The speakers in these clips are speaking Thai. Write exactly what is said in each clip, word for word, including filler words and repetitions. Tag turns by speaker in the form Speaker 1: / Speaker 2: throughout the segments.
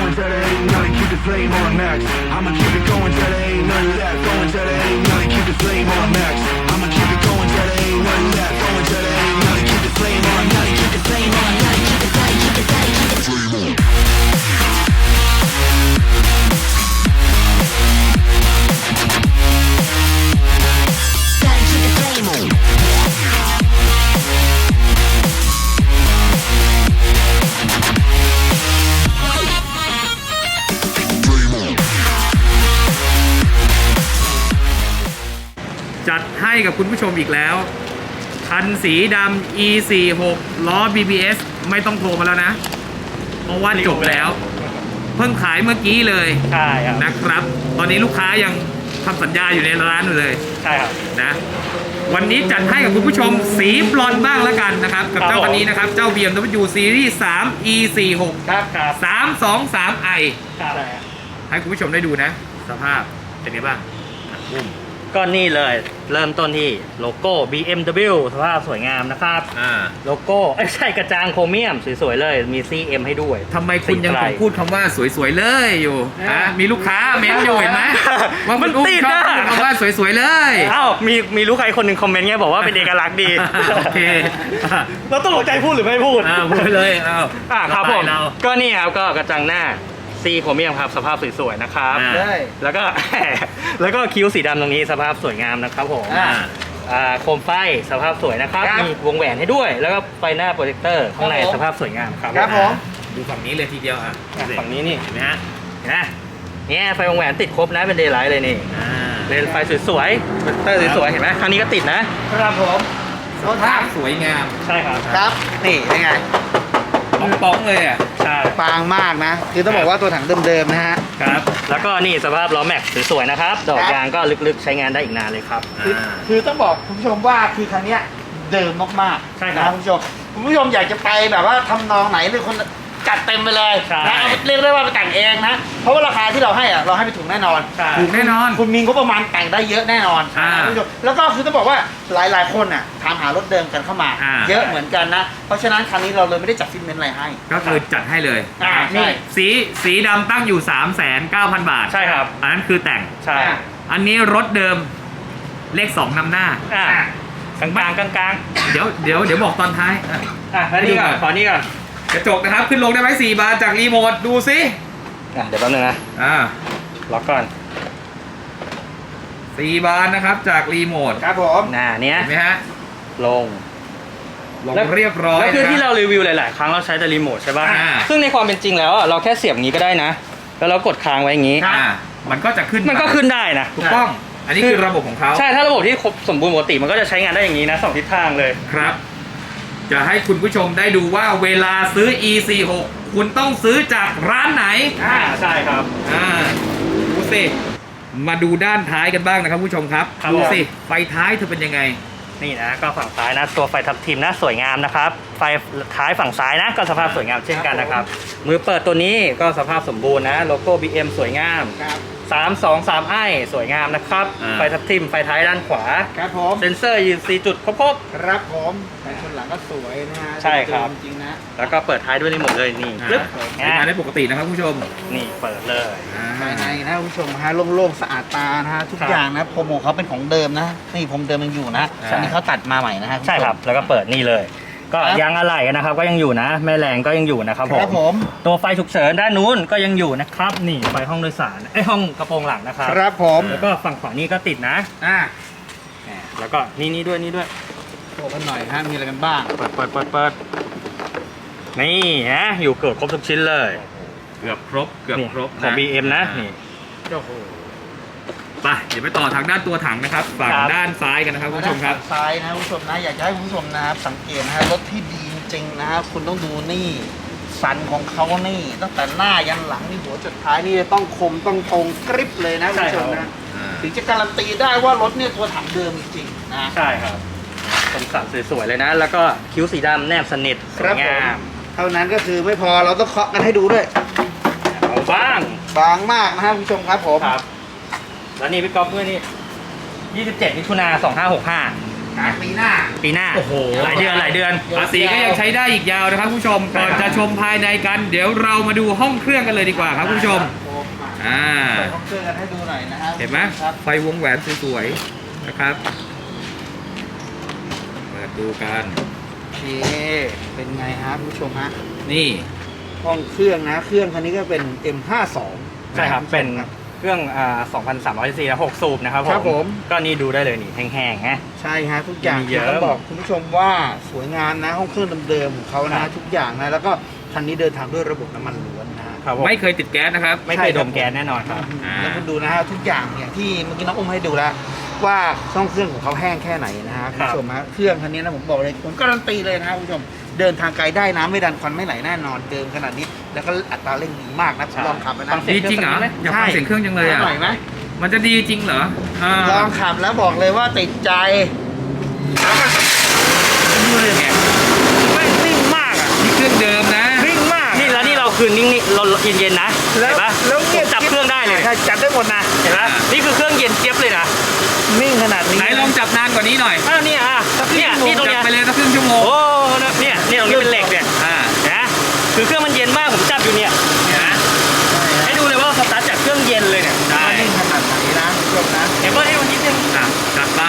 Speaker 1: going till there ain't nothing. Keep the flame on max. I'ma keep it going till there ain't nothing left. Going till there ain't nothing. Keep the flame on max. I'ma keep it going till there ain't nothing left. Going till there ain't nothing. Keep the flame on. Nothing. Keep the flame on. Nothing. Keep the flame. Keep the flame. Keep the flame on.
Speaker 2: จัดให้กับคุณผู้ชมอีกแล้วคันสีดำ อี สี่สิบหก ล้อ บี บี เอส ไม่ต้องโทรมาแล้วนะ เพราะว่าจบแล้ว เพิ่งขายเมื่อกี้เลย
Speaker 3: ใช่ครับ
Speaker 2: นะครับ ตอนนี้ลูกค้ายังทำสัญญาอยู่ในร้านอยู่เลย
Speaker 3: ใช่ครับ
Speaker 2: นะ วันนี้จัดให้กับคุณผู้ชมสีบลอนด์บ้างแล้วกันนะครับ กับเจ้าคันนี้นะครับ เจ้า บี เอ็ม ดับเบิลยู Series สาม อี สี่สิบหก
Speaker 3: ครับครับ
Speaker 2: สามสองสาม ไอ
Speaker 3: ครับ
Speaker 2: ให้คุณผู้ชมได้ดูนะ สภาพเป็นไงบ้างอ่ะบุ้ม
Speaker 3: ก็นี่เลยเริ่มต้นที่โลโก้ บี เอ็ม ดับเบิลยู สภาพสวยงามนะครับ
Speaker 2: อ่า
Speaker 3: โลโก้เอ้ยไม่ใช่กระจังโครเมียมสวยๆเลยมี ซี เอ็ม ให้ด้วย
Speaker 2: ทำไมคุณยัง
Speaker 3: สีไกล
Speaker 2: คงพูดคำว่าสวยๆเลยอยู่ฮะมีลูกค้าเม้นอยู่เห็นไหมว่าคุณอุ้มชอบพูดคำว่าสวยๆเลย
Speaker 3: อ้าวมีมีลูกใครคนหนึ่งคอมเมนต์เงี้ยบอกว่าเป็นเอกลักษณ์ดี
Speaker 2: โอเค
Speaker 3: เราต้องหลงใจพูดหรือไม่พูด
Speaker 2: อ่าพูดไปเลยเอา
Speaker 3: อ่าครับผม
Speaker 2: เรา
Speaker 3: ก็นี่ครับก็กระจังหน้าซีโครเมียมครับสภาพสวยๆนะครับ
Speaker 2: อ่า
Speaker 3: แล้วก็ แล้วก็คิ้วสีดำตรงนี้สภาพสวยงามนะครับผม
Speaker 2: อ่า
Speaker 3: อ่าโคมไฟสภาพสวยนะครับ
Speaker 4: ครับ
Speaker 3: มีวงแหวนให้ด้วย แล้วก็ไฟหน้าโปรเจคเตอร์ข้างใน
Speaker 4: ครับผม
Speaker 3: สภาพสวยงามครับ
Speaker 4: ครับผม
Speaker 2: ดูฝั่งนี้เลยทีเดียวอ่ะ
Speaker 3: อ่ะฝั่งนี้นี่
Speaker 2: เห็นไหมฮะ
Speaker 3: เห็นไหมเนี่ยไฟวงแหวนติดครบนะเป็นเดย์ไลท์เลยนี่
Speaker 2: อ่า
Speaker 3: เลนส์ไฟสวยๆโปรเจคเตอร์สวยๆเห็นไหมครั้งนี้ก็ติดนะครับ
Speaker 4: ผม
Speaker 2: สภาพสวยงาม
Speaker 3: ใช่ครับ
Speaker 4: ครับ นี่เป็นไง
Speaker 2: ป้องๆเลยอ่ะ
Speaker 3: ใช่
Speaker 4: ฟางมากนะ คือต้องบอกว่าตัวถังเดิมๆนะฮะ
Speaker 3: ครับแล้วก็นี่สภาพล้อแม็กซ์สวยๆนะครับดอก
Speaker 4: ครับ
Speaker 3: ยางก็ลึกๆใช้งานได้อีกนานเลยครับ
Speaker 4: คือคือต้องบอกคุณผู้ชมว่าคือคันเนี้ยเดิมมากๆ
Speaker 3: ใช่ครับ
Speaker 4: นะคุณผู้ชมคุณผู้ชมอยากจะไปแบบว่าทำนองไหนหรือคนจัดเต็มไปเลย
Speaker 3: ใช่
Speaker 4: นะเอาเรียกได้ว่าไปแต่งเองนะ เพราะว่าราคาที่เราให้อะเราให้ไปถูกแน่นอน
Speaker 3: ใช่
Speaker 2: ถูกแน่นอน
Speaker 4: คุณมีงบประมาณแต่งได้เยอะแน่นอน
Speaker 2: อ่า
Speaker 4: นะคุณผู้ชมแล้วก็คือต้องบอกว่าหลายๆคนอ่ะถามหารถเดิมกันเข้ามา
Speaker 2: อ่า
Speaker 4: เยอะเหมือนกันนะ เพราะฉะนั้นคันนี้เราเลยไม่ได้จัดฟิตเมนต์อะไรให้
Speaker 2: ก็คือจัดให้เลย
Speaker 4: อ่าใช่
Speaker 2: นี่สีสีดำตั้งอยู่ สามแสนเก้าพัน บาท
Speaker 3: ใช่ครับ
Speaker 2: อันนั้นคือแต่ง
Speaker 3: ใช่
Speaker 2: อันนี้รถเดิมเลขสองนำหน้า
Speaker 3: อ่ากลางๆกลาง
Speaker 2: เดี๋ยวเดี๋ยวเดี๋ยวบอกตอนท้ายอ่ะ
Speaker 3: ๆอ่ะแล้วนี่ก่อนขอนี่ก่อน
Speaker 2: กระจกนะครับ ขึ้นลงได้ไหมสี่บานจากรีโมทดูซิ
Speaker 3: อ่ะเดี๋ยวแป๊บนึงนะ
Speaker 2: อ่า
Speaker 3: ล็อกก่อน
Speaker 2: สี่บานนะครับจากรีโมท
Speaker 4: ครับผม
Speaker 3: หน้าเนี้ย
Speaker 2: เห็นไหมฮะ
Speaker 3: ลง
Speaker 2: ลง
Speaker 3: แล้ว
Speaker 2: เรียบร้อย
Speaker 3: แล้วคือที่
Speaker 2: นะ
Speaker 3: เรารีวิวหลาย ๆ ครั้งเราใช้แต่รีโมทใช่ป่ะ
Speaker 2: อ่า
Speaker 3: ซึ่งในความเป็นจริงแล้วอ่ะเราแค่เสียบอย่างนี้ก็ได้นะ แล้วเรากดค้างไว้อย่างนี้
Speaker 2: อ่ามันก็จะขึ้น
Speaker 3: มันก็ขึ้นได้นะ
Speaker 2: ถูกต้อง อันนี้คือระบบของเขา
Speaker 3: ใช่ถ้าระบบที่ครบสมบูรณ์ปกติมันก็จะใช้งานได้อย่างนี้นะสองทิศทางเลย
Speaker 2: ครับ จะให้คุณผู้ชมได้ดูว่าเวลาซื้อ อี สี่สิบหก คุณต้องซื้อจากร้านไหน
Speaker 3: อ่าใช่ครับ
Speaker 2: อ่าดูสิ มาดูด้านท้ายกันบ้างนะครับผู้ชมครับ
Speaker 3: ครับ
Speaker 2: ดู
Speaker 3: ผม
Speaker 2: สิ ไฟท้ายเธอเป็นยังไง
Speaker 3: นี่นะก็ฝั่งซ้ายนะตัวไฟทับทิมนะสวยงามนะครับไฟท้ายฝั่งซ้ายนะก็สภาพสวยงามเช่นกันนะครับมือเปิดตัวนี้ก็สภาพสมบูรณ์นะโลโก้ บี เอ็ม สวยงาม
Speaker 4: ครับ
Speaker 3: สามสองสามไอสวยงามนะครับ
Speaker 2: อ่า
Speaker 3: ไฟทับทิมไฟท้ายด้านขวา
Speaker 4: ครับผม
Speaker 3: เซนเซอร์ยืนสี่จุดครบ
Speaker 4: ครับผมแต่คนหลังก็สวยนะฮะ
Speaker 3: ใช่ครับ
Speaker 4: จริงๆนะ
Speaker 3: ๆแล้วก็เปิดท้ายด้วยรีโมทเลยนี่
Speaker 2: อ่า
Speaker 3: ปึ๊บ
Speaker 2: ใช้งานได้ปกตินะครับผู้ชม
Speaker 3: นี่เปิดเลย
Speaker 2: อ่า
Speaker 4: ภายในนะคุณผู้ชมฮะโล่งๆสะอาดตานะฮะทุก
Speaker 3: ครับ
Speaker 4: อย่างนะพรมของเขาเป็นของเดิมนะนี่พรมเดิมยังอยู่นะ
Speaker 2: อ่า
Speaker 4: อันนี้เขาตัดมาใหม่นะฮะณผู้ชม
Speaker 3: ใช่ครับแล้วก็เปิดนี่เลย ก็
Speaker 4: ครับ
Speaker 3: ยางอะไหล่นะครับก็ยังอยู่นะแม่แรงก็ยังอยู่นะครับผ
Speaker 4: ครับ
Speaker 3: ม
Speaker 4: ผม
Speaker 3: ตัวไฟฉุกเฉินด้านนู้นก็ยังอยู่นะครับนี่ไฟห้องโดยสารไอยห้องกระโปรงหลังนะครับ
Speaker 4: ครับผม
Speaker 3: แล้วก็ฝั่งขวานี่ก็ติดนะ
Speaker 4: อ่า
Speaker 3: แล้วก็นี่นี่ด้วยนี่ด้วย
Speaker 4: โชว์กันหน่อยฮะมีอะไรกันบ้าง
Speaker 3: เปิดเปิดเปิดเปิดนี่ฮะอยู่เกือบครบทุกชิ้นเลย
Speaker 2: เกือบครบ เกือบ
Speaker 3: นี่
Speaker 2: ครบ
Speaker 3: ของ
Speaker 2: นะ
Speaker 3: บี เอ็ม นะ
Speaker 2: อ่า
Speaker 3: นี่
Speaker 4: โอ้โห
Speaker 2: ไปเดี๋ยวไปต่อทางด้านตัวถังนะครับ ฝั่ง
Speaker 3: ครับ
Speaker 2: ด้านซ้ายกันนะครับคุณผู้ชมครับ
Speaker 4: ซ้ายนะคุณผู้ชมนะอยากจะให้คุณผู้ชมนะครับสังเกตนะฮะรถที่ดีจริงๆนะครับคุณต้องดูนี่สันของเขานี่ตั้งแต่หน้ายันหลังนี่หัวจุดท้ายนี่ต้องคมต้องตรงกริบเลยนะคุณผู้ชมนะ
Speaker 2: อ่า
Speaker 4: ถึงจะการันตีได้ว่ารถเนี่ยตัวถังเดิมจริงๆนะ
Speaker 3: ใช่ครับเป็นสันสวยๆเลยนะ แล้วก็คิ้วสีดำแนบสนิทสวยงาม
Speaker 4: เท่านั้นก็คือไม่พอเราต้องเคาะกันให้ดูด้วย
Speaker 3: เอาบ้าง
Speaker 4: บางมากนะครับคุณผู้ชมครับผม
Speaker 3: ครับ แล้วนี่พี่ก๊อฟด้วยนี่ยี่สิบเจ็ดมิถุนาสองห้าหกห้า
Speaker 4: นะปีหน้า
Speaker 3: ปีหน้า
Speaker 2: โอ้โห
Speaker 3: หลายเดือนหลายเดือน
Speaker 2: ภาษีก็ยังใช้ได้อีกยาวนะครับคุณผู้ชมก่อนจะชมภายในกัน เดี๋ยวเรามาดูห้องเครื่องกันเลยดีกว่าครับคุณผู้ชมอ่า
Speaker 4: เปิดห้องเครื่องกันให้ดูหน่อยนะฮะ
Speaker 2: เห็นไหม
Speaker 4: ครับ
Speaker 2: ไฟวงแหวนสวยๆนะครับเปิดดูกัน
Speaker 4: โอเคเป็นไงฮะคุณผู้ชมฮะ
Speaker 2: นี่
Speaker 4: ห้องเครื่องนะเครื่องคันนี้ก็เป็น เอ็ม ห้าสอง
Speaker 3: ใช่ครับเป็นเครื่องอ่าสองพันสามร้อยซีซีหกสูบนะครับ
Speaker 4: ครับผม
Speaker 3: ก็นี่ดูได้เลยนี่แห้งๆนะ
Speaker 4: ใช่ฮะทุกอย่าง
Speaker 3: มีเยอะ
Speaker 4: ต้องบอกคุณผู้ชมว่าสวยงามนะห้องเครื่องเดิมๆของเขา
Speaker 3: ครั
Speaker 4: นะ
Speaker 3: บ
Speaker 4: ทุกอย่างนะแล้วก็คันนี้เดินทางด้วยระบบน้ำมันล้วนนะฮะ
Speaker 3: ครับผม
Speaker 2: ไม่เคยติดแก๊สนะครับ
Speaker 3: ไม่เคยดมแก๊สแน่นอนครับ
Speaker 2: อ่า
Speaker 4: แล้วคุณดูนะฮะทุกอย่างอย่างที่เมื่อกี้น้องอุ้มให้ดูแล้วว่าช่องเครื่องของเขาแห้งแค่ไหนนะฮะคุณผู้ชมฮะเครื่องคันนี้นะผมบอกเลยผมการันตีเลยนะฮะคุณผู้ชมเดินทางไกลได้น้ำไม่ดันควันไม่ไหลแน่นอนเดิมขนาดนี้แล้วก็อัตราเร่งดีมากนะผมลองขับแล้วนะ
Speaker 3: ฟังเสีย
Speaker 2: ดีจริงเหรออยากฟังเสียงเครื่องจังเลยอ่ะ
Speaker 4: หน่อยไหม
Speaker 2: มันจะดีจริงเหรออ่า
Speaker 4: ลองขับแล้วบอกเลยว่าติดใจแล้วมัน
Speaker 2: ไง
Speaker 3: ไม่นิ่งมากอ่ะ
Speaker 2: นี่เครื่องเดิมนะ
Speaker 4: วิ่งมาก
Speaker 3: นี่แล้วนี่เราคืนนิ่งๆเราเย็นๆนะ
Speaker 4: แล้ว
Speaker 3: เห็นปะ
Speaker 4: แล้ว
Speaker 3: ผมจับเครื่องได้เลย
Speaker 4: ใช่จับได้หมดนะ
Speaker 3: เห็นปะนี่คือเครื่องเย็นเจี๊ยบเลยนะ
Speaker 4: นิ่งขนาดนี้
Speaker 2: ไหนลองจับนานกว่านี้หน่อย
Speaker 3: อ้าวเนี่ยอ่ะเนี่ยนี่ตรง
Speaker 2: จับ
Speaker 3: เนี้ย
Speaker 2: ไปเลยสักครึ่งชั่วโมง
Speaker 3: โอ้เนี่ยเนี่ยตรงนี้เป็นเหล็กเนี่ย
Speaker 2: อ่า
Speaker 3: นะคือเครื่องมันเย็นมากผมจับอยู่เนี่ยเห็นไหมให้ดูเลยว่าสตาร์ทจากเครื่องเย็นเลยเนี่ย
Speaker 2: ได้
Speaker 4: นิ่งขนาดไหนนะคุณผู้ชมนะ
Speaker 3: เห็นว่าให้มันนิดนึง
Speaker 2: อ่ะจัดไป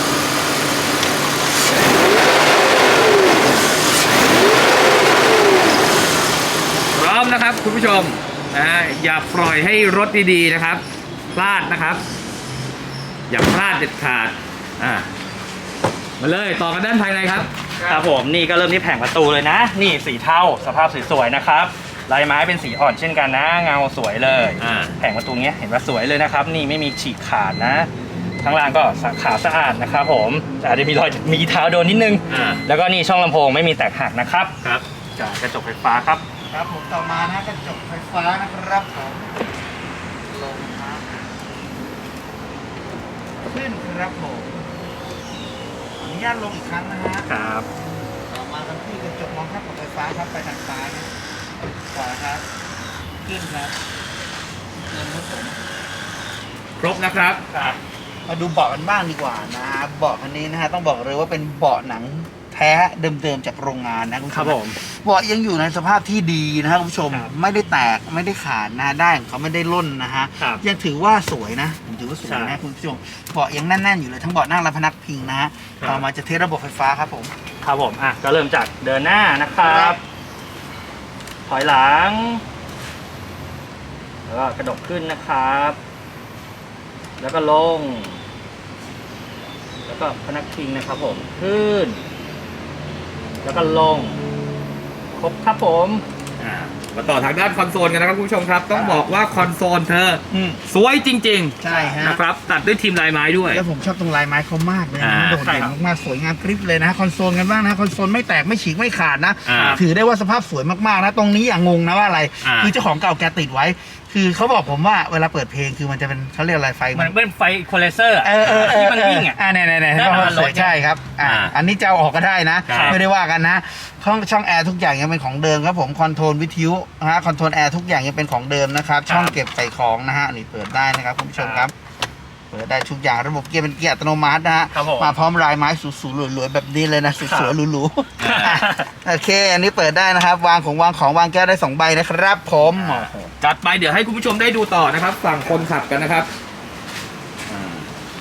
Speaker 2: พร้อมนะครับคุณผู้ชมนะอย่าปล่อยให้รถดีๆนะครับพลาดนะครับ อย่าพลาดเด็ดขาดอ่ะมาเลยต่อกันด้านภายในครับ
Speaker 3: ครับผมนี่ก็เริ่มที่แผงประตูเลยนะ นี่สีเทาสภาพสวยๆนะครับลายไม้เป็นสีอ่อนเช่นกันนะเงาสวยเลย
Speaker 2: อ่า
Speaker 3: แผงประตูเนี้ยเห็นว่าสวยเลยนะครับ นี่ไม่มีฉีกขาดนะข้างล่างก็ขาวสะอาดนะครับผมแต่อาจจะมีรอยมีเท้าโดนนิดนึง
Speaker 2: อ่า
Speaker 3: แล้วก็นี่ช่องลำโพงไม่มีแตกหักนะครับ
Speaker 2: ครับ
Speaker 3: จากกระจกไฟฟ้าครับ
Speaker 4: ครับผมต่อมานะกระจกไฟฟ้านะครับผมลงครับขึ้นครับผมขออนุญาตลงอีกครั้งนะฮะ
Speaker 3: ครับ
Speaker 4: ต่อมาทางที่กระจกมองข้ามกับไฟฟ้าครับไปทางซ้ายนะขวาครับขึ้นครับเงินครับผม
Speaker 2: ครบนะครับ
Speaker 3: ครับ
Speaker 4: มาดูเบาะกันบ้างดีกว่านะเบาะคันนี้นะฮะต้องบอกเลยว่าเป็นเบาะหนังแท้เดิมๆจากโรงงานนะคุณผู้ช
Speaker 3: ครับ
Speaker 4: ม
Speaker 3: ผม
Speaker 4: เบาะยังอยู่ในสภาพที่ดีนะครับคุณผู้ชม
Speaker 3: ครับ
Speaker 4: ไม่ได้แตกไม่ได้ขาดนะได้ของเขาไม่ได้ล่นนะฮะ
Speaker 3: ครับ
Speaker 4: ยังถือว่าสวยนะผมถือว่าสวย
Speaker 3: ใช่
Speaker 4: นะคุณผู้ชมเบาะยังแน่นๆอยู่เลยทั้งเบาะนั่งและพนักพิงนะฮะ
Speaker 3: ครับ
Speaker 4: ต่อมาจะเทสระบบไฟฟ้าครับผม
Speaker 3: ครับผมอ่ะก็เริ่มจากเดินหน้านะครับ ถอยหลัง แล้วก็กระดกขึ้นนะครับ แล้วก็ลง แล้วก็พนักพิงนะครับผม ขึ้น แล้วก็ลง ครบครับผม
Speaker 2: อ่ามาต่อทางด้านคอนโซลกันนะครับคุณผู้ชมครับ ต้องบอกว่าคอนโซลเธอ
Speaker 4: อืม
Speaker 2: สวยจริง
Speaker 4: ใช่ฮะ
Speaker 2: ๆนะครับตัดด้วยทีมลายไม้ด้วย
Speaker 4: แล้วผมชอบตรงลายไม้เขามากเลยนะ
Speaker 2: อ่า
Speaker 4: โดดเด่นมากๆสวยงามกริบเลยนะคอนโซลกันบ้างนะคอนโซลไม่แตกไม่ฉีกไม่ขาดนะ
Speaker 2: อ่า
Speaker 4: ถือได้ว่าสภาพสวยมากๆนะตรงนี้อย่างงงนะว่าอะไร
Speaker 2: อ่า
Speaker 4: คือเจ้าของเก่าแกติดไว้ คือเขาบอกผมว่าเวลาเปิดเพลงคือมันจะเป็นเขาเรียกอะไรไฟ
Speaker 3: มันเป็นไฟโคเลเซอร์
Speaker 4: เออเออเออ
Speaker 3: ที่มันวิ่งอ่ะ
Speaker 4: อ่าเนี่ยเนี่ยเนี่ย
Speaker 3: ได้ประมาณ
Speaker 4: สวย
Speaker 3: ร้อย
Speaker 4: ใช่ครับอ่า
Speaker 2: อ่า
Speaker 4: อันนี้จะเอาออกก็ได้นะ
Speaker 2: ครับ
Speaker 4: ไม่ได้ว่ากันนะช่องช่องแอร์ทุกอย่างยังเป็นของเดิมครับผมคอนโทรลวิทยุนะฮะคอนโทรลแอร์ทุกอย่างยังเป็นของเดิมนะครับช่องเก็บใส่ของนะฮะนี่เปิดได้นะครับคุณผู้ชมครับ เปิดได้ทุกอย่างระบบเกียร์เป็นเกียร์อัตโนมัตินะฮะ
Speaker 3: ครับผม
Speaker 4: มาพร้อมลายไม้สูๆหลวยๆแบบนี้เลยนะสวยๆหรูๆอ่ะโอเค อันนี้เปิดได้นะครับ วางของวางของวางแก้วได้สองใบนะครับผม
Speaker 2: จัดไปเดี๋ยวให้คุณผู้ชมได้ดูต่อนะครับ ฝั่งคนขับกันนะครับอ่า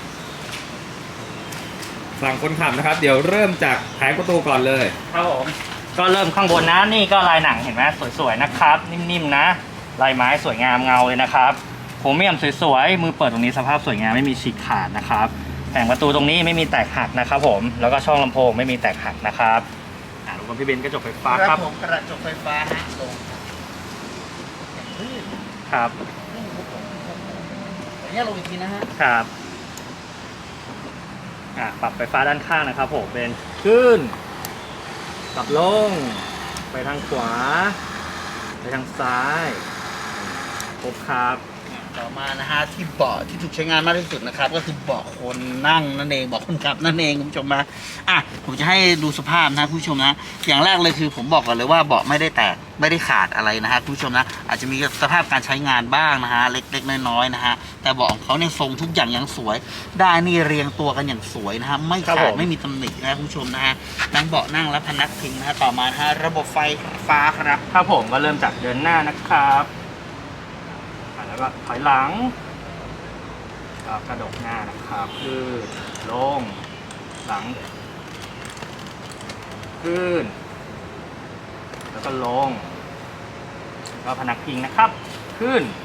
Speaker 2: ฝั่งคนขับนะครับ เดี๋ยวเริ่มจากแผงประตูก่อนเลย
Speaker 3: ครับผม ก็เริ่มข้างบนนะนี่ก็ลายหนังเห็นไหมสวยๆนะครับ นิ่มๆนะ ลายไม้สวยงามเงาเลยนะครับโครเมียมสวยๆมือเปิดตรงนี้สภาพสวยงามไม่มีฉีกขาดนะครับแผงประตูตรงนี้ไม่มีแตกหักนะครับผมแล้วก็ช่องลำโพงไม่มีแตกหักนะครับอ่าลงกับพี่เบนซ์กระจกไฟฟ้า
Speaker 4: ค
Speaker 3: ค
Speaker 4: รั
Speaker 3: รั
Speaker 4: บบ ผมกระจกไฟฟ้าฮะลง
Speaker 3: ครับ
Speaker 4: อันนี้ลงอีกทีนะฮะ
Speaker 3: ครับอ่าปรับไฟฟ้าด้านข้างนะครับผมเป็นขึ้นกลับลงไปทางขวา ไปทางซ้ายครบครับ
Speaker 4: ต่อมานะฮะที่เบาะที่ถูกใช้งานมากที่สุดนะครับก็คือเบาะคนนั่งนั่นเองเบาะคนขับนั่นเองคุณผู้ชมนะอ่ะผมจะให้ดูสภาพนะคุณผู้ชมนะอย่างแรกเลยคือผมบอกก่อนเลยว่าเบาะไม่ได้แตกไม่ได้ขาดอะไรนะฮะคุณผู้ชมนะอาจจะมีสภาพการใช้งานบ้างนะฮะเล็กๆน้อยๆนะฮะแต่เบาะของเขาเนี่ยทรงทุกอย่างยังสวยได้นี่เรียงตัวกันอย่างสวยนะฮะไม่ขาดไม่มีตำหนินะคุณผู้ชมนะฮะนั่งเบาะนั่งและพนักพิงนะฮะต่อมานะฮะระบบไฟฟ้าครับ
Speaker 3: ครับผมก็เริ่มจากเดินหน้านะครับอ่ะแล้วก็ถอยหลังก็กระดกหน้านะครับขึ้นลงหลังขึ้นแล้วก็ลงแล้วก็พนักพิงนะครับขึ้น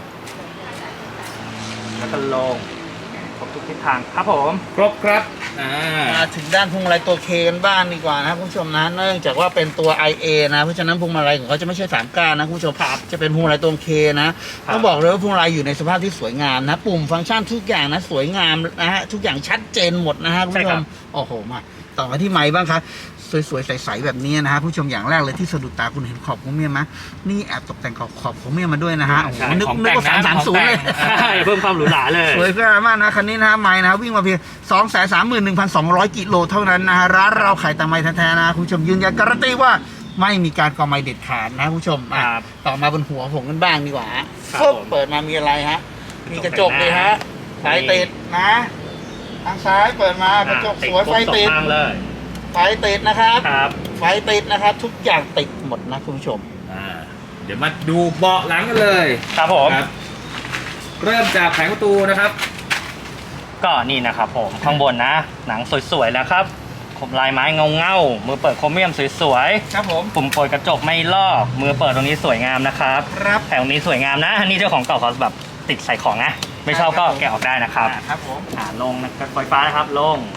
Speaker 3: แล้วก็ลงครบทุกทิศทางครับผม
Speaker 2: ครบครับอ่า
Speaker 4: มาถึงด้านพวงมาลัยตัวเคกันบ้างดีกว่านะครับคุณผู้ชมนะเนื่องจากว่าเป็นตัว ไอ เอ นะเพราะฉะนั้นพวงมาลัยของเขาจะไม่ใช่สามก้านนะคุณผู้ชมครับจะเป็นพวงมาลัยตัวเคนะต้องบอกเลยว่าพวงมาลัยอยู่ในสภาพที่สวยงามนะปุ่มฟังก์ชันทุกอย่างนะสวยงามนะฮะทุกอย่างชัดเจนหมดนะฮะคุณผู้ชมโอ้โหมาต่อมาที่ไม้บ้างครับสวยๆใสๆแบบนี้นะฮะผู้ชมอย่างแรกเลยที่สะดุดตาคุณเห็นขอบของเมียไหมนี่แอบตกแต่งขอบขอบของเมียมาด้วยนะฮะโอ้โหนึกนึกว่าสามสามศูนย์เลย
Speaker 3: ใช่เพิ่มความหรูหราเลย
Speaker 4: สวยงามมากนะคันนี้นะฮะไม้นะวิ่งมาเพียง สองแสนสามหมื่นหนึ่งพันสองร้อย กิโลเท่านั้นนะฮะร้านเราขายแต่ไม้แท้ๆนะคุณผู้ชมยืนยันการันตีว่าไม่มีการกอไม้เด็ดขาดนะคุณผู้ชมอ่ะ
Speaker 3: ครับ
Speaker 4: ต่อมาบนหัวผมกันบ้างดีกว่าฮะ
Speaker 3: ครับ
Speaker 4: ปุ๊บ
Speaker 3: ผม
Speaker 4: เปิดมามีอะไรฮะมีกระจกเลยฮะไฟ
Speaker 3: นี่
Speaker 4: ติดนะทางซ้ายเปิดมากระจกสวยไฟติด
Speaker 3: ครบสองข้างเลย
Speaker 4: ไฟติดนะครับ
Speaker 3: ครับ
Speaker 4: ไฟติดนะครับทุกอย่างติดหมดนะคุณผู้ชม
Speaker 2: อ่าเดี๋ยวมาดูเบาะหลังกันเลย
Speaker 3: ครับผม
Speaker 2: ครับเริ่มจากแผงประตูนะครับ
Speaker 3: ก็นี่นะครับผมข้างบนนะ หนังสวยๆแล้วครับคมลายไม้เงาเงาๆมือเปิดโครเมียมสวย
Speaker 4: ครับผม
Speaker 3: ๆปุ่มเปิดกระจกไม่ลอกมือเปิดตรงนี้สวยงามนะครับ
Speaker 4: ครับ
Speaker 3: แผงตรงนี้สวยงามนะอันนี้เจ้าของเก่าเขาแบบติดใส่ของนะไม่ชอบก็แกะออกได้นะครับ
Speaker 4: อ่าครับผม
Speaker 3: อ่าลงนะครับไฟฟ้านะครับลง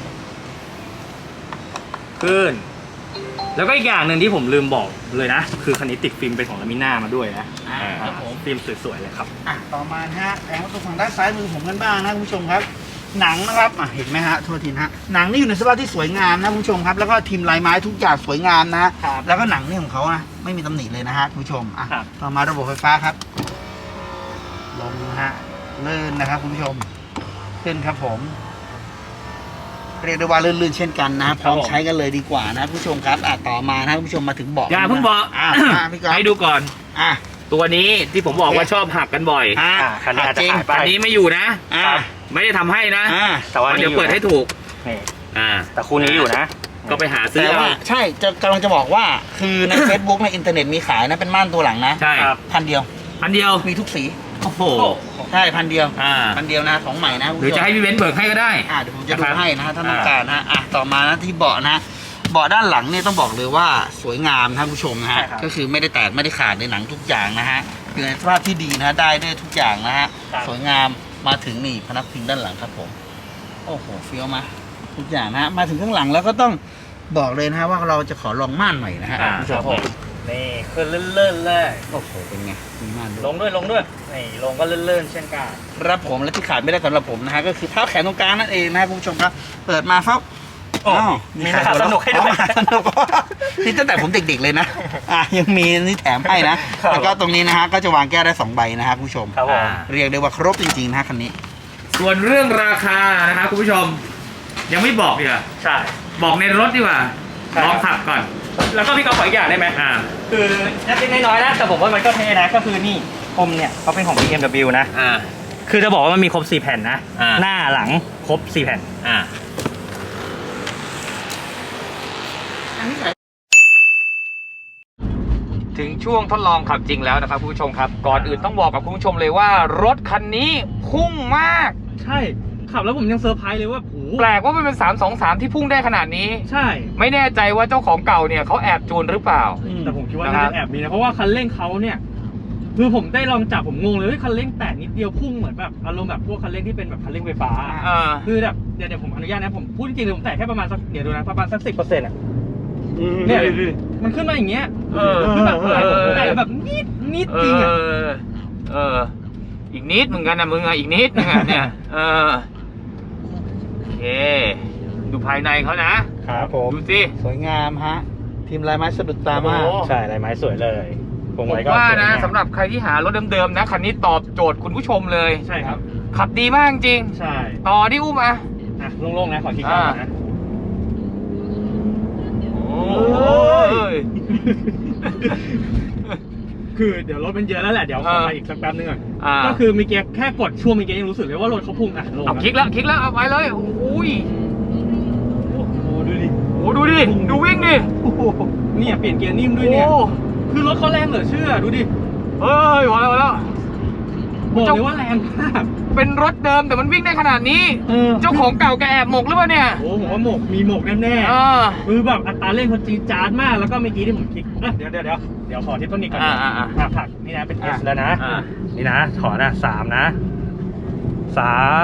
Speaker 3: ขึ้น แล้วก็อีกอย่างหนึ่งที่ผมลืมบอกเลยนะ คือคันนี้ติดฟิล์มเป็นของลามิน่ามาด้วยนะ
Speaker 4: อ่าครับผม
Speaker 3: ฟิล์มสวยๆเลยครับ
Speaker 4: อ่ะต่อมานะฮะแผงประตูฝั่งด้านซ้ายมือผมกันบ้างนะคุณผู้ชมครับ หนังนะครับอ่ะเห็นไหมฮะโทษทีนะฮะหนังนี่อยู่ในสภาพที่สวยงามนะคุณผู้ชมครับแล้วก็ทีมลายไม้ทุกอย่างสวยงามนะฮะ
Speaker 3: ครับ
Speaker 4: แล้วก็หนังนี่ของเขานะไม่มีตำหนิเลยนะฮะคุณผู้ชมอ่ะ
Speaker 3: ครับ
Speaker 4: ต่อมาระบบไฟฟ้าครับลงนะฮะเลื่อนนะครับคุณผู้ชมขึ้นครับผม เรียกได้ว่าลื่นๆเช่นกันนะพร้อมใช้กันเลยดีกว่านะคุณผู้ชมครับอ่ะต่อมานะคุณผู้ชมมาถึงเบาะ
Speaker 2: อย่าเพิ่งบอก
Speaker 4: อ่ะอ่ะพี่ก๊อฟ
Speaker 2: ให้ดูก่อน
Speaker 4: อ่ะ
Speaker 2: ตัวนี้ที่ผมบอกว่าชอบหักกันบ่อย
Speaker 4: อ่ะ
Speaker 3: อ่าคันนี้อาจจะ
Speaker 4: จริง
Speaker 3: ขายไป
Speaker 2: อันนี้ไม่อยู่นะ
Speaker 4: อ่ะ
Speaker 2: ไม่ได้ทำให้นะ
Speaker 4: อ่ะ
Speaker 3: แต่ว่า
Speaker 2: เดี๋ยว
Speaker 3: นี่
Speaker 2: เปิดให้ถูก
Speaker 3: นี่
Speaker 2: อ่า
Speaker 3: แต่คู่นี้อยู่นะ
Speaker 2: ก็ไปหาซื้อ
Speaker 4: แต่
Speaker 2: เอา
Speaker 4: ว่าใช่จะกำลังจะบอกว่าคือใน Facebook ในอินเทอร์เน็ตมีขายนะเป็นม่านตัวหลังนะ
Speaker 2: ใช่
Speaker 3: ครับ
Speaker 4: พันเดียว
Speaker 2: อันเดียว
Speaker 4: มีทุกสี
Speaker 2: โอ้โห
Speaker 4: ใช่พันเดียว
Speaker 2: อ่า
Speaker 4: พันเดียวนะของใหม่นะคุณ
Speaker 2: หรือ
Speaker 4: ผู้ช
Speaker 2: จะ
Speaker 4: ม
Speaker 2: ให้พี่เว้นเบิกให้ก็ได้
Speaker 4: อ่าเดี๋ยวผมจะดู
Speaker 2: นะครับ
Speaker 4: ให้นะฮะถ้าต้อง
Speaker 2: อ่า
Speaker 4: การนะอ่ะต่อมานะที่เบาะนะเบาะด้านหลังเนี่ยต้องบอกเลยว่าสวยงามนะคุณผู้ชมนะฮะ
Speaker 3: ใช่ครับ
Speaker 4: ก็คือไม่ได้แตกไม่ได้ขาดในหนังทุกอย่างนะฮะอยู่ในสภาพที่ดีนะฮะได้ได้ทุกอย่างนะฮะ
Speaker 3: ครับ
Speaker 4: สวยงามมาถึงนี่พนักพิงด้านหลังครับผมโอ้โหเฟี้ยวมาทุกอย่างนะฮะมาถึงข้างหลังแล้วก็ต้องบอกเลยนะฮะว่าเราจะขอลองม่านหน่อยนะฮะ
Speaker 2: อ่า
Speaker 4: คุณผู้ช
Speaker 3: ครั
Speaker 4: ม
Speaker 3: บผมนี่ขึ้นเลื่อนๆเลย
Speaker 4: โอ้โหเป็นไงมีม่านด้วย
Speaker 3: ลงด้วยลงด้วยนี่ลงก็เลื่อนๆเช่นกัน
Speaker 4: ครับผมและที่ขาดไม่ได้สำหรับผมนะฮะก็คือเท้าแขนตรงกลางนั่นเองนะครับคุณผู้ชมครับเปิดมาฟับ
Speaker 3: โอ้
Speaker 4: อ้าว
Speaker 3: มีมหาสนุกให้ด้วย
Speaker 4: อ๋อมหาสนุกนี่ตั้งแต่ผมเด็กๆเลยนะอ่ะยังมีนี่แถมให้นะครับ แล้วก็ตรงนี้นะฮะก็จะวางแก้วได้สองใบนะครับคุณผู้ชม
Speaker 3: ครับผม
Speaker 4: เรียกได้ว่าครบจริงๆนะฮะคันนี้
Speaker 2: ส่วนเรื่องราคานะครับคุณผู้ชม ยังไม่บอกดีกว่า
Speaker 3: ใช่
Speaker 2: บอกในรถดีกว่า
Speaker 3: ครับ
Speaker 2: ลองขับก่อน
Speaker 3: แล้วก็พี่ก็ขออีกอย่างได้ไหม
Speaker 2: อ่า
Speaker 3: คือเล็กๆน้อยๆนะแต่ผมว่ามันก็เท่นะก็คือนี่คมเนี่ยเขาเป็นของ บี เอ็ม ดับเบิลยู นะ
Speaker 2: อ่า
Speaker 3: คือจะบอกว่ามันมีครบสี่แผ่นนะ
Speaker 2: อ่า
Speaker 3: หน้าหลังครบสี่แผ่น
Speaker 2: อ่า ถึงช่วงทดลองขับจริงแล้วนะครับคุณผู้ชมครับ ก่อนอื่นต้องบอกกับคุณผู้ชมเลยว่ารถคันนี้พุ่งมาก
Speaker 3: ใช่ขับแล้วผมยังเซอร์ไพรส์เลยว่าโห
Speaker 2: แปลกว่ามันเป็นสามสองสามที่พุ่งได้ขนาดนี้
Speaker 3: ใช่
Speaker 2: ไม่แน่ใจว่าเจ้าของเก่าเนี่ยเขาแอบจูนหรือเปล่า
Speaker 3: แต่ผมคิดว่า
Speaker 2: นะค
Speaker 3: น่า
Speaker 2: รับ
Speaker 3: จะแอบมีนะเพราะว่าคันเร่งเขาเนี่ยคือผมได้ลองจับผมงงเลยเฮ้ยคันเร่งแตะนิดเดียวพุ่งเหมือนแบบอารมณ์แบบพวกคันเร่งที่เป็นแบบคันเร่งไฟฟ้า
Speaker 2: อ่า
Speaker 3: คือแบบเดี๋ยวเดี๋ยวผมอนุญาตนะผมพูดจริงๆเลยผมแตะแค่ประมาณสักเดี๋ยวดูนะประมาณสักสิบเปอร์เซ็นต์อ่ะเนี่ยมันขึ้นมาอย่างเงี้ย
Speaker 2: เออ
Speaker 3: คือแบบอะไร
Speaker 2: เออ
Speaker 3: แต่แบบนิดนิด
Speaker 2: เอ
Speaker 3: จริงอ่ะ
Speaker 2: อ เออ อีกนิดเหมือนกันนะมึงอ่ะ อีกนิดนึงอ่ะเนี่ย เออ โอเค ดูภายในเขานะครับ
Speaker 3: ผม
Speaker 2: ดูสิ
Speaker 4: สวยงามฮะทีมลายไม้สะดุดตามาก
Speaker 2: โอ้โห
Speaker 3: ใช่ลายไม้สวยเลย
Speaker 2: น
Speaker 3: พวง
Speaker 2: ผม
Speaker 3: มาลัยก็
Speaker 2: ว่านะ
Speaker 3: สวยงาม
Speaker 2: สำหรับใครที่หารถเดิมๆนะคันนี้ตอบโจทย์คุณผู้ชมเลย
Speaker 3: ใช่ครับ
Speaker 2: ขับดีมากจริง
Speaker 3: ใช่
Speaker 2: ต่อที่อุ้มอ่ะ
Speaker 3: อ่ะโล่งๆนะขอคิดก่อนนะ
Speaker 2: โอ้ย
Speaker 3: คือเดี๋ยวรถมันเยอะแล้วแหละเดี๋ยวขอไปอีกสักแป๊บนึงก่อน
Speaker 2: อ่า
Speaker 3: ก็คือเมื่อกี้แค่กดช่วงเมื่อกี้ยังรู้สึกเลยว่ารถเขาพุ่งอ่ะลง
Speaker 2: เอาคลิกแล้วคลิกแล้วเอาไปเลยโอ้ย
Speaker 3: โอ้โหดูดิ
Speaker 2: โอ้ดูดิดูวิ่งดิ
Speaker 3: โอ้โหเนี่ยเปลี่ยนเกียร์นิ่มด้วยเนี่ย
Speaker 2: โอ้
Speaker 3: คือรถเขาแรงเหลือเชื่อดูดิ
Speaker 2: เฮ้ยพอแล้วพอแล้ว
Speaker 3: บอกเลยว่าแรงมาก
Speaker 2: เป็นรถเดิมแต่มันวิ่งได้ขนาดนี้
Speaker 3: เออ
Speaker 2: เจ้าของเก่าแกแอบหมกหรือเปล่าเนี่ย
Speaker 3: โอ้ผมว่าหมกมีหมกแน่
Speaker 2: เออ
Speaker 3: ๆคือแบบอัตราเร่งเขาจี๊ดจ๊าดมากแล้วก็เมื่อกี้ที่ผมคลิกเอ้ยเดี๋ยวเดี๋ยวเดี๋ยวเดี๋ยวขอทิปต้นนี้ก่อน
Speaker 2: อ่าอ่าอ่า
Speaker 3: อ่ะผลักนี่นะเป็น S แล้วนะ
Speaker 2: อ่า
Speaker 3: นี่นะถอนนะสามนะสาม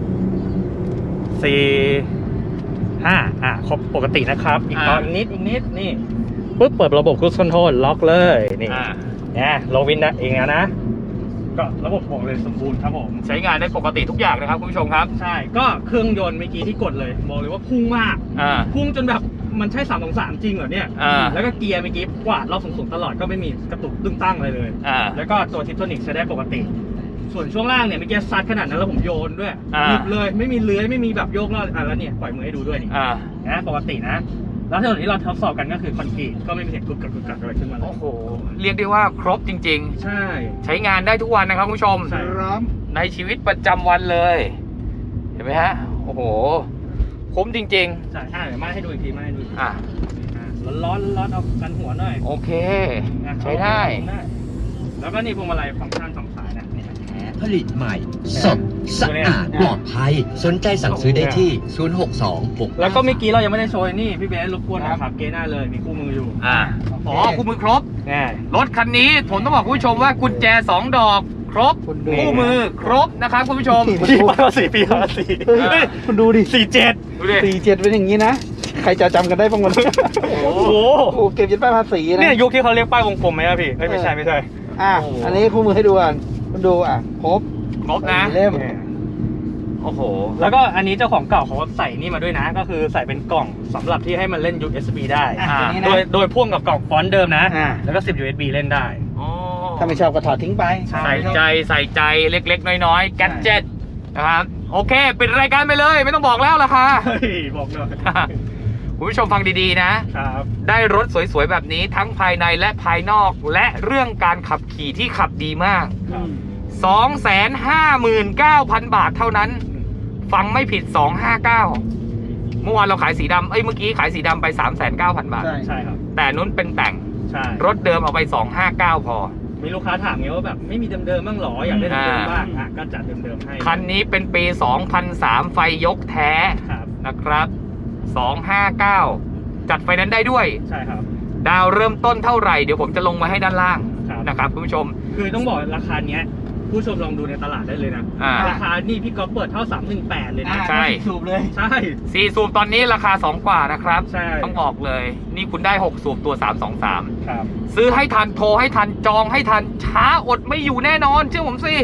Speaker 3: สี่ห้าอ่ะครบปกตินะครับ อีกตอนอีกนิดอีกนิดนี่ปุ๊บเปิดระบบ Cruise Control ล็อกเลยนี่
Speaker 2: อ่า
Speaker 3: เนี่ยลงวินนะเองแล้วนะ ก็ระบบบอกเลยสมบูรณ์ครับผม
Speaker 2: ใช้งานได้ปกติทุกอย่างนะครับคุณผู้ชมครับ
Speaker 3: ใช่ก็เครื่องยนต์เมื่อกี้ที่กดเลยบอกเลยว่าพุ่งมาก
Speaker 2: อ่า
Speaker 3: พุ่งจนแบบมันใช่สามสองสามจริงเหรอเนี่ย
Speaker 2: อ่า
Speaker 3: แล้วก็เกียร์เมื่อกี้กวาดรอบสูงๆตลอดก็ไม่มีกระตุกตึงตั้งเลยเลย
Speaker 2: อ่า
Speaker 3: แล้วก็ตัวทิปโทนิกใช้ได้ปกติ ส่วนช่วงล่างเนี่ยเมื่อกี้ซัดขนาดนั้นแล้วผมโยนด้วย
Speaker 2: อ่า
Speaker 3: หยุดเลยไม่มีเลื้อยไม่มีแบบโยกแล้วอ่ะแล้วเนี่ยปล่อยมือให้ดูด้วยนี่
Speaker 2: อ่า
Speaker 3: นะปกตินะ แล้วถนนที่เราทดสอบกันก็คือคอนกรีตก็ไม่มีเสียงกรุบกรับกรุบกรับอะไรขึ้นมาเลย
Speaker 2: โอ้โหเรียกได้ว่าครบจริง
Speaker 3: ใช่
Speaker 2: ๆ ใช้งานได้ทุกวันนะครับคุณผู้ชม
Speaker 3: ใช่
Speaker 4: พร้อม
Speaker 2: ในชีวิตประจำวันเลย เห็นไหมฮะโอ้โหคุ้มจริง
Speaker 3: ใช่อ่ะเดี๋ยวมาให้ดูอีกทีมาให้ดูอีกที
Speaker 2: ๆ อ่ะ
Speaker 3: อ่ะร้อนๆร้อนๆเอากันหัวหน่อย
Speaker 2: โอเค
Speaker 3: นะ
Speaker 2: ใช้ได้
Speaker 3: แล้วก็นี่พวงมาลัยฟังก์ชันสองสายนะเนี่ย
Speaker 5: ผลิตใหม่ สด สะอาด ปลอดภัย สนใจสั่งซื้อได้ที่ ศูนย์ หก สอง หก
Speaker 3: แล้วก็เมื่อกี้เรายังไม่ได้โชว์นี่พี่เบสรบกวนนะครับเกหน้าเลยมีคู่มืออยู่
Speaker 2: อ่าอ๋อคู่มือครบ
Speaker 3: แน่
Speaker 2: รถคันนี้ผมต้องบอกคุณผู้ชมว่ากุญแจสองดอก ครบ
Speaker 4: คุณดู
Speaker 2: คู่มือครบนะครับคุณผู้ชม
Speaker 3: ปีภาษีปีภาษี
Speaker 4: เฮ้ยคุณดูดิ
Speaker 3: สี่เจ็ด
Speaker 2: ดูดิ
Speaker 4: สี่เจ็ดเป็นอย่างนี้นะ ใครจะจำกันได้บ้างวันนี้
Speaker 3: โอ้โห
Speaker 4: โอ้เก็บยันป้ายภาษีนะ
Speaker 3: เนี่ยยุคที่เขาเรียกป้ายวงกลมไหมอะพี่เอ้ยไม่ใช่ไม่ใช่
Speaker 4: อ่ะ
Speaker 3: โอ้โห
Speaker 4: อันนี้คู่มือให้ดูอ่ะคุณดูอ่ะครบ
Speaker 2: ครบนะ
Speaker 4: เล่ม
Speaker 2: โอ้โห
Speaker 3: แล้วก็อันนี้เจ้าของเก่าเขาใส่นี่มาด้วยนะ ก็คือใส่เป็นกล่องสำหรับที่ให้มันเล่น ยู เอส บี ได้
Speaker 4: อ่ะ
Speaker 2: อ่า
Speaker 4: ตัวนี้
Speaker 3: โด
Speaker 4: นะ
Speaker 3: ยโดยพ่วงกับกล่องฟอนต์เดิมนะ
Speaker 4: อ่า
Speaker 3: แล้วก็สิบ ยู เอส บี เล่นได้
Speaker 2: อ๋อ
Speaker 4: ถ้าไม่ชอบก็ถอดทิ้งไป
Speaker 3: ใช่
Speaker 2: ใส่ใจใส่ใจเล็กๆ น้อยๆ แกดเจ็ตนะครับ โอเค ปิดรายการไปเลย ไม่ต้องบอกแล้วราคา
Speaker 3: เฮ้ยบอกหน่อย
Speaker 2: คุณผู้ชมฟังดีๆนะ
Speaker 3: ครับ
Speaker 2: ได้รถสวยๆ แบบนี้ทั้งภายในและภายนอก และเรื่องการขับขี่ที่ขับดีมาก
Speaker 3: ครับ
Speaker 2: สองแสนห้าหมื่นเก้าพัน บาทเท่านั้น ฟังไม่ผิด สองห้าเก้า เมื่อวานเราขายสีดำเอ้ย เมื่อกี้ขายสีดำไป สามแสนเก้าพัน บาท
Speaker 4: ใช่
Speaker 3: ใช่ครับ
Speaker 2: แต่นู้นเป็นแต่ง
Speaker 3: ใช่
Speaker 2: รถเดิมเอาไป สองห้าเก้า พอ
Speaker 3: มีลูกค้าถามไงว่าแบบไม่มีเดิมๆบ้างหรออยากได้เดิมๆบ้าง
Speaker 2: อ่า
Speaker 3: อ่ะก็จัดเดิมๆให้
Speaker 2: คันนี้เป็นปี สองพันสาม ไฟยกแท้
Speaker 3: ครับ
Speaker 2: นะครับ สองห้าเก้า จัดไฟแนนซ์ได้ด้วย
Speaker 3: ใช่ครับ
Speaker 2: ดาวเริ่มต้นเท่าไหร่ เดี๋ยวผมจะลงมาให้ด้านล่าง
Speaker 3: ครับ
Speaker 2: นะครับคุณผู้ชม
Speaker 3: คือต้องบอกราคาเนี้ยผู้ชมลองดูในตลาดได้เลยนะ
Speaker 2: อ่า
Speaker 3: ราคานี่พี่ก๊อฟเปิดเท่าสามหนึ่งแปดเลยนะ
Speaker 2: ใช่
Speaker 4: สูบเลย
Speaker 3: ใช่
Speaker 2: สี่สูบตอนนี้ราคาสองกว่านะครับ
Speaker 3: ใช่
Speaker 2: ต้องบอกเลย นี่คุณได้หกสูบตัวสามสองสาม
Speaker 3: ครับ
Speaker 2: ซื้อให้ทันโทรให้ทันจองให้ทันช้าอดไม่อยู่แน่นอน เชื่อผมสิ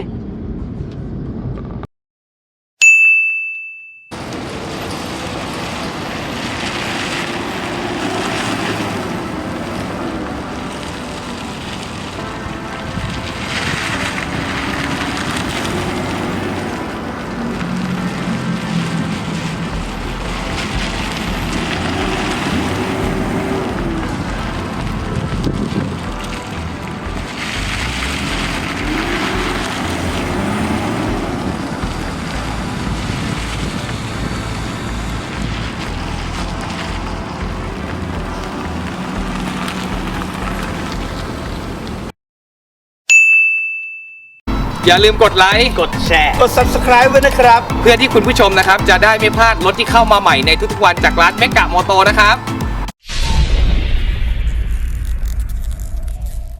Speaker 2: อย่าลืมกดไลค์กดแชร์
Speaker 4: กด ซับสไครบ์ ไว้นะครับ
Speaker 2: เพื่อที่คุณผู้ชมนะครับ จะได้ไม่พลาดรถที่เข้ามาใหม่ในทุกๆวันจากร้านเมกะมอโตนะครับ